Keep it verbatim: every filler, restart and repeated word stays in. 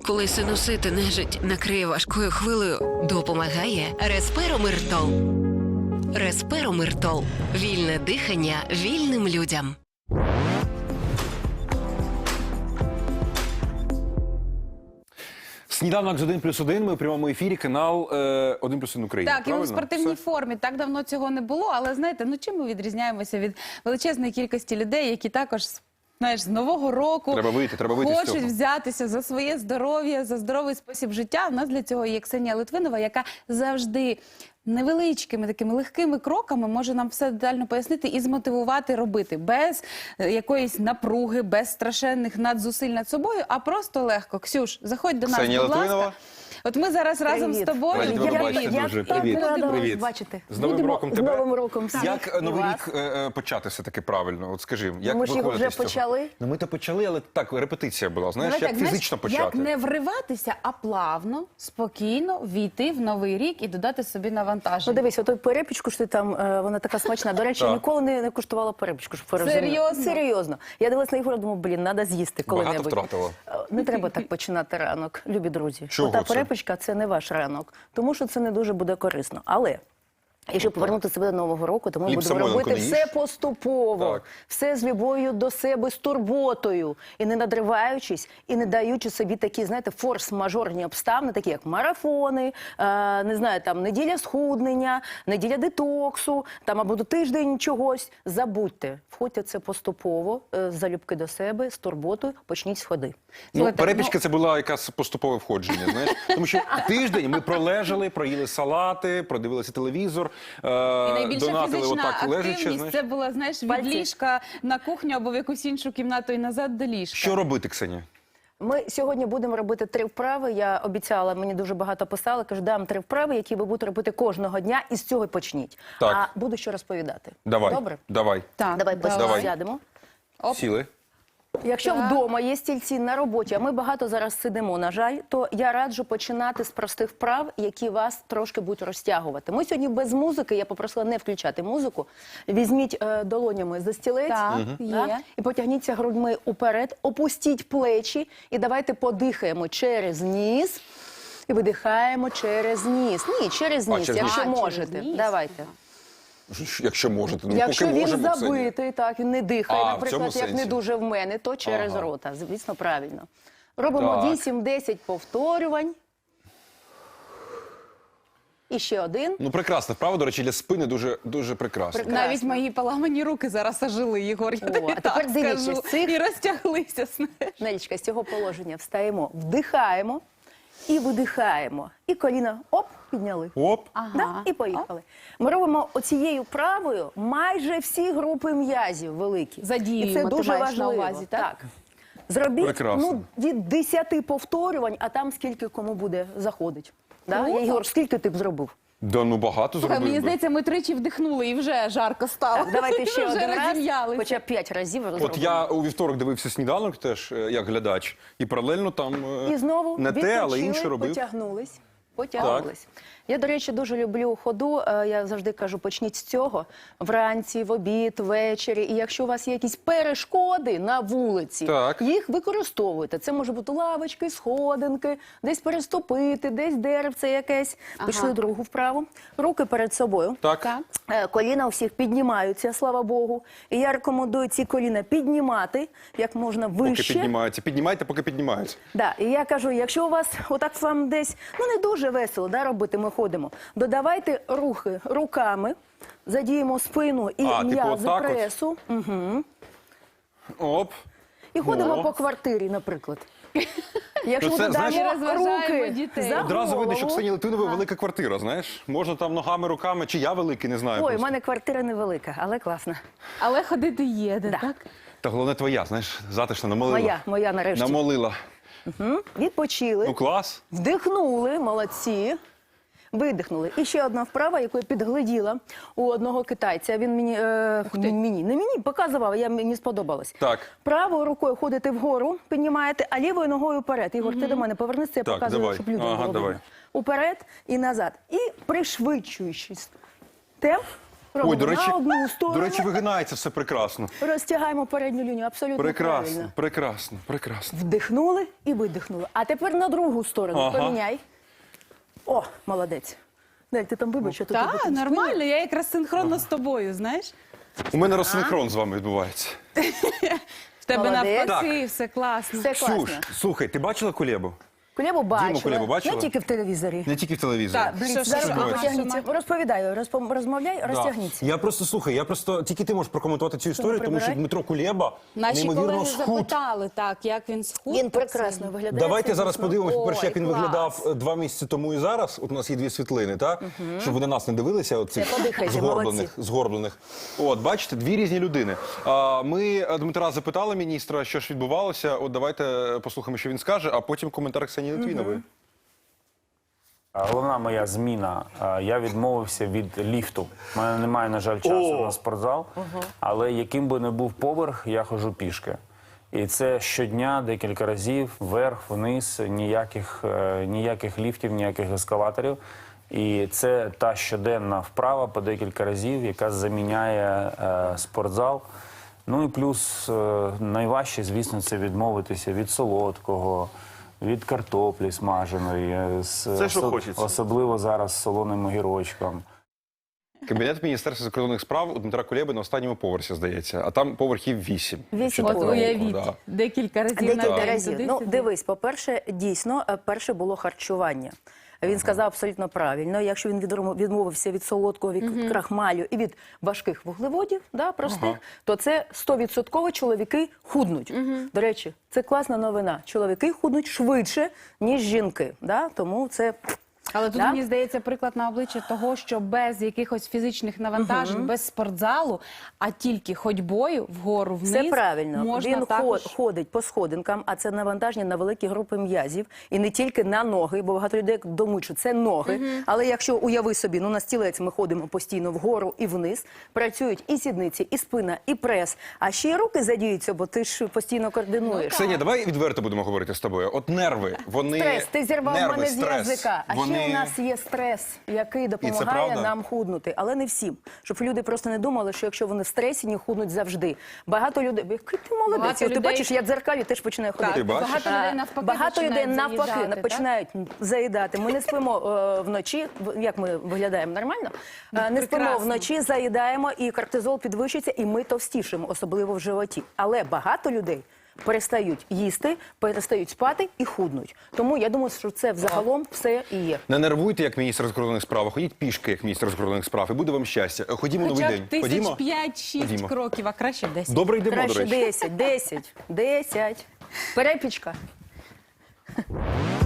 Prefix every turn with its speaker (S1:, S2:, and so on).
S1: Коли синусити нежить накриє важкою хвилею,
S2: Допомагає Респиромиртол. Респиромиртол. Вільне дихання вільним людям.
S3: Сніданок з один плюс один, ми у прямому ефірі, канал е, один плюс один Україна.
S4: Так, і ми в
S3: Правильно?
S4: спортивній
S3: Все?
S4: формі. Так давно цього не було, але знаєте, ну чим ми відрізняємося від величезної кількості людей, які також, знаєш, з Нового року
S3: Треба вийти, треба вийти з
S4: хочуть
S3: цього.
S4: взятися за своє здоров'я, за здоровий спосіб життя. У нас для цього є Ксенія Литвинова, яка завжди невеличкими такими легкими кроками може нам все детально пояснити і змотивувати робити. Без е, якоїсь напруги, без страшенних надзусиль над собою, а просто легко. Ксюш, заходь до нас,
S3: Ксенія
S4: будь
S3: Литвинова.
S4: ласка. От ми зараз разом з
S5: Привіт.
S4: тобою.
S3: Раді тебе
S4: Я-
S3: бачити
S4: я-
S3: дуже.
S4: я-
S3: Привіт.
S4: я-
S5: Рада
S3: Привіт.
S5: вас бачити.
S3: З Новим
S5: Будемо-
S3: роком
S5: з
S3: тебе.
S5: Новим роком всіх.
S3: Як е,
S5: І
S3: Новий
S5: вас.
S3: рік е, е, почати все-таки правильно? От скажи, як
S5: ми ж його
S3: виходити
S5: вже
S3: з цього?
S5: почали.
S3: Ну ми то почали, але так, репетиція була, знаєш,
S4: Давай
S3: як
S4: так, знаєш,
S3: фізично почати.
S4: Як не вриватися, а плавно, спокійно війти в новий рік і додати собі
S5: Ну
S4: навантаження.
S5: дивись, отой перепічку, що ти там, е, вона така смачна. До речі,
S3: Так.
S5: ніколи не, не куштувала перепічку, щоб ви розуміли.
S4: Серйозно?
S5: Серйозно. Я дивилась на Ігоря, думаю, блін, треба з'їсти
S3: Багато
S5: коли-небудь.
S3: втратила?
S5: Е, Не треба так починати ранок, любі друзі.
S3: Чого
S5: Ота
S3: це?
S5: перепічка – це не ваш ранок, тому що це не дуже буде корисно. Але якщо повернути себе до Нового року, то ми
S3: Хліб
S5: будемо
S3: Самойленко
S5: робити
S3: не
S5: все
S3: їж?
S5: поступово,
S3: Так.
S5: все з любов'ю до себе, з турботою, і не надриваючись, і не даючи собі такі, знаєте, форс-мажорні обставини, такі як марафони, е, не знаю, там неділя схуднення, неділя детоксу, там або до тиждень чогось. Забудьте, входьте це поступово, е, з залюбки до себе, з турботою, почніть з ходи.
S3: Ну,
S4: Слухайте,
S3: перепічка це була якась поступове входження, знаєш. Тому що тиждень ми пролежали, проїли салати, продивилися телевізор, е,
S4: І найбільша
S3: донатили
S4: фізична
S3: отак лежачи,
S4: активність
S3: знаєш.
S4: це була, знаєш, від
S5: Пальці.
S4: ліжка на кухню або в якусь іншу кімнату і назад до ліжка.
S3: Що робити, Ксенія?
S5: Ми сьогодні будемо робити три вправи. Я обіцяла, мені дуже багато писали, кажу, дам три вправи, які ви будете робити кожного дня, і з цього й почніть.
S3: Так.
S5: А буду що розповідати.
S3: Давай,
S5: Добре?
S3: давай.
S4: Так,
S5: Давай,
S3: Давай.
S5: сядемо.
S4: Оп.
S3: Сіли.
S5: Якщо
S4: Так.
S5: вдома є стільці на роботі, а ми багато зараз сидимо, на жаль, то я раджу починати з простих вправ, які вас трошки будуть розтягувати. Ми сьогодні без музики, я попросила не включати музику. Візьміть е, долонями за стілець
S4: Так,
S5: да,
S4: є.
S5: і потягніться грудьми уперед, опустіть плечі і давайте подихаємо через ніс і видихаємо через ніс. Ні, через
S3: А,
S5: ніс,
S3: через
S5: якщо
S4: ніс. А, через
S5: можете.
S4: ніс.
S5: Давайте.
S3: Якщо можете. Ну,
S5: Якщо
S3: поки
S5: він
S3: можемо, Ксенія.
S5: забитий, так, він не дихає,
S3: А, в цьому
S5: наприклад, як не
S3: сенсі.
S5: дуже в мене, то через
S3: Ага.
S5: рота. Звісно, правильно. Робимо
S3: Так.
S5: вісім-десять повторювань. І ще один.
S3: Ну, прекрасно. Вправа, до речі, для спини дуже, дуже прекрасно.
S5: Прек-
S4: Навіть
S5: Прекрасно.
S4: мої поламані руки зараз ожили, Єгор. Я
S5: О,
S4: тобі
S5: а тепер
S4: так
S5: дивіться,
S4: скажу.
S5: з цих-
S4: І розтяглися, знаєш.
S5: Нелічка, з цього положення встаємо, вдихаємо і видихаємо. І коліна, оп, підняли.
S3: Оп.
S5: Да? І поїхали. Ми робимо оцією правою майже всі групи м'язів великі.
S4: Задіюємо,
S5: І це
S4: ти
S5: дуже
S4: маєш на
S5: важливо.
S4: увазі, так?
S5: Зробіть
S3: Прекрасно.
S5: ну, від десяти повторювань, а там скільки кому буде заходить. Да?
S4: Круто.
S5: Ігор, скільки ти б зробив?
S3: Да, ну багато
S4: Слухай,
S3: зробив
S4: мені
S3: би.
S4: здається, ми тричі вдихнули і вже жарко стало.
S5: Так, давайте ще
S4: Вже
S5: один раз,
S4: розім'ялися.
S5: хоча б п'ять разів зробимо.
S3: От я у вівторок дивився сніданок теж, е, як глядач, і паралельно там е,
S5: І знову
S3: не те, але
S5: відпочили,
S3: інше робив.
S5: потягнулись. Потягнулись. Я, до речі, дуже люблю ходу. Е, Я завжди кажу, почніть з цього. Вранці, в обід, ввечері. І якщо у вас є якісь перешкоди на вулиці,
S3: Так.
S5: їх використовуйте. Це може бути лавочки, сходинки, десь переступити, десь деревце якесь. Пішли другу вправу. Руки перед собою.
S3: Так.
S4: Так.
S5: Е, Коліна у всіх піднімаються, слава Богу. І я рекомендую ці коліна піднімати як можна
S3: Поки
S5: вище.
S3: піднімаються. Піднімайте, поки піднімаються.
S5: Да, і я кажу, якщо у вас отак вам десь, ну не дуже весело, да, робити, ми ходимо, додавайте рухи руками, задіємо спину і
S3: А, типу
S5: м'язи
S3: отак от?
S5: пресу. Угу.
S3: Оп.
S5: І ходимо
S3: О.
S5: по квартирі, наприклад. Якщо
S3: Ну, це,
S5: додамо
S3: знаєш,
S4: розважаємо
S5: руки
S4: дітей.
S5: за
S3: Одразу видно, що
S5: голову.
S3: Ксенії Литвинової велика квартира, знаєш? Можна там ногами, руками, чи я великий, не знаю.
S5: Ой, у
S3: просто.
S5: мене квартира невелика, але класна.
S4: Але ходити є, де,
S5: Да.
S4: так?
S3: Та головне твоя, знаєш, затишна, намолила.
S5: Моя, моя нарешті.
S3: Намолила.
S5: Мгм. Відпочили.
S3: Ну клас.
S5: Вдихнули, молодці. Видихнули. І ще одна вправа, яку я підгляділа у одного китайця. Він мені, е, мені, не мені, показував, я, мені сподобалось.
S3: Так.
S5: Правою рукою ходите вгору, піднімаєте, а лівою ногою вперед. Ігор, ти до мене повернися, я
S3: Так,
S5: показую,
S3: давай.
S5: щоб людям
S3: Ага,
S5: було
S3: давай.
S5: видно. Уперед і назад. І пришвидшуючись темп, Робимо
S3: Ой, до речі,
S5: на одну сторону.
S3: до речі, вигинається все прекрасно.
S5: Розтягаємо передню лінію, абсолютно
S3: Прекрасно,
S5: правильно.
S3: прекрасно, прекрасно.
S5: Вдихнули і видихнули. А тепер на другу сторону
S3: Ага.
S5: поміняй. О, молодець. Дай, ти там вибач, що тут
S4: Так,
S5: робити.
S4: нормально, я якраз синхронно з тобою, знаєш?
S3: У мене розсинхрон з вами відбувається.
S4: В тебе
S5: Молодець.
S4: навпаки, все класно.
S5: Все класно.
S3: Ксюш, слухай, ти бачила Кулебу?
S5: Кулебу бачила.
S3: Кулебу бачила?
S5: Не тільки в телевізорі.
S3: Не тільки в телевізорі.
S4: Так,
S5: Блін,
S4: Що,
S5: зараз
S4: що, що,
S5: розтягніться.
S4: що?
S5: Розповідаю, розпом- розмовляй,
S3: Да.
S5: розтягніться.
S3: Я просто слухай, я просто тільки ти можеш прокоментувати цю історію, тому що
S5: прибирай?
S3: Дмитро Кулеба
S4: Наші
S3: неймовірно
S4: колеги
S3: схуд.
S4: запитали, так, як він схуд.
S5: Він
S4: так
S5: прекрасно
S4: сильно.
S5: виглядає.
S3: Давайте
S5: це
S3: зараз
S5: дійсно.
S3: подивимося, по-перше, як
S4: Ой,
S3: він
S4: клас.
S3: виглядав е, два місяці тому і зараз. От у нас є дві світлини, так? Щоб ви на нас не дивилися, оцих
S5: Це подихайте,
S3: згорблених, згорблених. От, бачите, дві різні людини. А, Ми е, Дмитра запитали міністра, що ж відбувалося. От давайте послухаємо, що він скаже, а потім коментар Ксенії Литвінової.
S6: Головна моя зміна. а, Я відмовився від ліфту. У мене немає, на жаль, часу на спортзал. Але яким би не був поверх, я ходжу пішки. І це щодня, декілька разів, вверх, вниз, ніяких, е, ніяких ліфтів, ніяких ескалаторів. І це та щоденна вправа по декілька разів, яка заміняє е, спортзал. Ну і плюс е, найважче, звісно, це відмовитися від солодкого, від картоплі смаженої, е, з,
S3: Це, що
S6: осо-
S3: хочеться.
S6: особливо зараз з солоним огірочком.
S3: Кабінет Міністерства закордонних справ у Дмитра Кулеби на останньому поверсі, здається. А там поверхів вісім.
S5: Вісім
S3: Якщо
S4: От
S3: так
S5: поверхів.
S3: рахувати,
S4: уявіть,
S3: да.
S4: декілька разів на
S5: Декілька
S4: день.
S5: разів.
S4: туди,
S5: Ну,
S4: сюди.
S5: дивись, по-перше, дійсно, е, перше було харчування. Він сказав абсолютно правильно. Якщо він відрому- відмовився від солодкого, від крахмалю і від важких вуглеводів, да, простих, то це сто відсотків чоловіки худнуть. До речі, це класна новина. Чоловіки худнуть швидше, ніж жінки. Да? Тому це...
S4: Але тут,
S5: Да?
S4: мені здається, приклад на обличчя того, що без якихось фізичних навантажень, без спортзалу, а тільки ходьбою вгору вниз,
S5: Все правильно.
S4: можна
S5: Він
S4: також...
S5: ход- ходить по сходинкам, а це навантаження на великі групи м'язів. І не тільки на ноги, бо багато людей думають, що це ноги. Але якщо уяви собі, ну на стілець ми ходимо постійно вгору і вниз, працюють і сідниці, і спина, і прес. А ще й руки задіються, бо ти ж постійно координуєш.
S3: Ксенія, давай відверто будемо говорити з тобою. От нерви, вони...
S5: Стрес, ти зірвав
S3: нерви,
S5: мене з
S3: стрес,
S5: язика. А
S3: вони...
S5: ще у нас є стрес, який допомагає
S3: правда?
S5: нам худнути, але не всім. Щоб люди просто не думали, що якщо вони в стресі, не худнуть завжди. Багато людей, який ти молодець,
S4: Багато
S5: От ти
S4: людей-
S5: бачиш, я дзеркалі теж починаю ходити.
S3: Ти бачиш?
S4: Багато
S5: А,
S4: людей навпаки
S5: Багато людей
S4: починають
S5: навпаки
S4: заїдати, так?
S5: починають заїдати. Ми не спимо е, вночі, в- як ми виглядаємо нормально? Е, не спимо
S4: прекрасно.
S5: вночі, заїдаємо, і кортизол підвищується, і ми товстішимо, особливо в животі. Але багато людей перестають їсти, перестають спати і худнуть. Тому я думаю, що це взагалом все і є.
S3: Не нервуйте, як міністр закордонних справ, а ходіть пішки, як міністр закордонних справ, і буде вам щастя. Ходімо
S4: Хоча
S3: новий
S4: б
S3: день.
S4: тисяч
S3: Ходімо.
S4: п'ять-шість
S3: Ходімо.
S4: кроків, а краще десять.
S3: Добре йдемо, до
S5: Краще
S3: речі.
S5: десять, десять, десять. Перепічка.